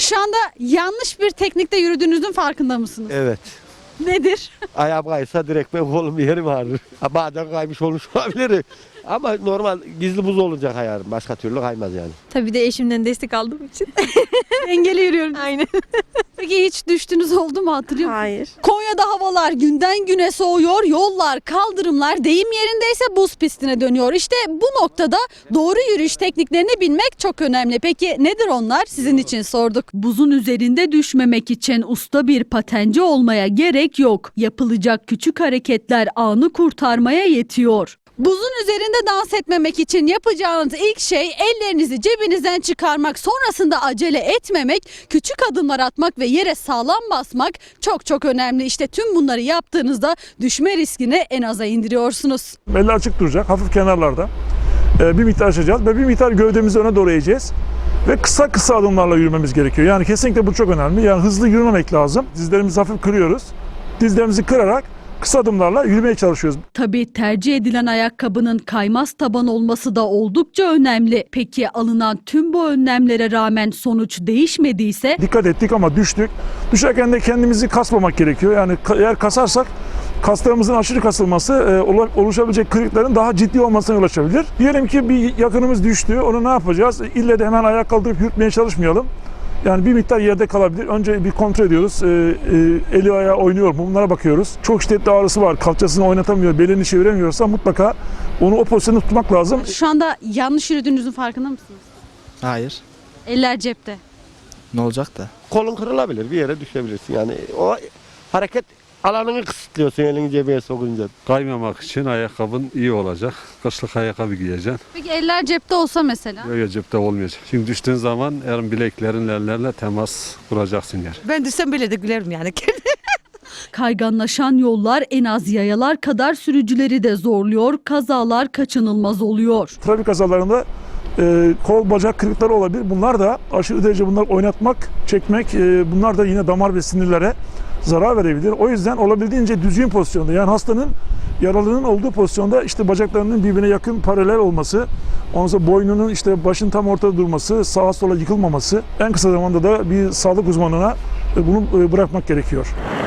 şu anda yanlış bir teknikte yürüdüğünüzün farkında mısınız? Evet. Nedir? Ayağım kaysa direkt ben kolum bir yerim ağrır. Ha, bazen kaymış olmuş olabilir. Ama normal gizli buz olacak ayağım. Başka türlü kaymaz yani. Tabii de eşimden destek aldığım için. Dengeli yürüyorum. Aynen. Peki hiç düştüğünüz oldu mu, hatırlıyor musunuz? Hayır. Konya'da havalar günden güne soğuyor, yollar, kaldırımlar deyim yerindeyse buz pistine dönüyor. İşte bu noktada doğru yürüyüş tekniklerini bilmek çok önemli. Peki nedir onlar? Sizin için sorduk. Buzun üzerinde düşmemek için usta bir patenci olmaya gerek yok. Yapılacak küçük hareketler anı kurtarmaya yetiyor. Buzun üzerinde dans etmemek için yapacağınız ilk şey ellerinizi cebinizden çıkarmak, sonrasında acele etmemek, küçük adımlar atmak ve yere sağlam basmak çok önemli. İşte tüm bunları yaptığınızda düşme riskini en aza indiriyorsunuz. Eller açık duracak, hafif kenarlarda. Bir miktar açacağız ve bir miktar gövdemizi öne doğru eğeceğiz. Ve kısa adımlarla yürümemiz gerekiyor. Yani kesinlikle bu çok önemli. Yani hızlı yürümemek lazım. Dizlerimizi hafif kırıyoruz. Dizlerimizi kırarak kısa adımlarla yürümeye çalışıyoruz. Tabii tercih edilen ayakkabının kaymaz taban olması da oldukça önemli. Peki alınan tüm bu önlemlere rağmen sonuç değişmediyse? Dikkat ettik ama düştük. Düşerken de kendimizi kasmamak gerekiyor. Yani eğer kasarsak kaslarımızın aşırı kasılması oluşabilecek kırıkların daha ciddi olmasına yol açabilir. Diyelim ki bir yakınımız düştü. Onu ne yapacağız? İlle de hemen ayağa kaldırıp yürütmeye çalışmayalım. Yani bir miktar yerde kalabilir. Önce bir kontrol ediyoruz. Eli ayağı oynuyor mu? Bunlara bakıyoruz. Çok şiddetli ağrısı var. Kalçasını oynatamıyor, belini çeviremiyorsa mutlaka onu o pozisyonda tutmak lazım. Şu anda yanlış yürüdüğünüzün farkında mısınız? Hayır. Eller cepte. Ne olacak da? Kolun kırılabilir, bir yere düşebilirsin. Yani o hareket alanını kısıtlıyorsun elini cebine sokunca. Kaymamak için ayakkabın iyi olacak. Kışlık ayakkabı giyeceksin. Peki eller cepte olsa mesela? Böyle cepte olmayacak. Şimdi düştüğün zaman bileklerin ellerle temas kuracaksın yer. Ben düşsem bile de gülerim yani. Kayganlaşan yollar en az yayalar kadar sürücüleri de zorluyor, kazalar kaçınılmaz oluyor. Trafik kazalarında kol bacak kırıkları olabilir. Bunlar da aşırı derece oynatmak, çekmek bunlar da yine damar ve sinirlere zarar verebilir. O yüzden olabildiğince düzgün pozisyonda, yani hastanın yaralının olduğu pozisyonda işte bacaklarının birbirine yakın paralel olması, ondan sonra boynunun işte başın tam ortada durması, sağa sola yıkılmaması, en kısa zamanda da bir sağlık uzmanına bunu bırakmak gerekiyor.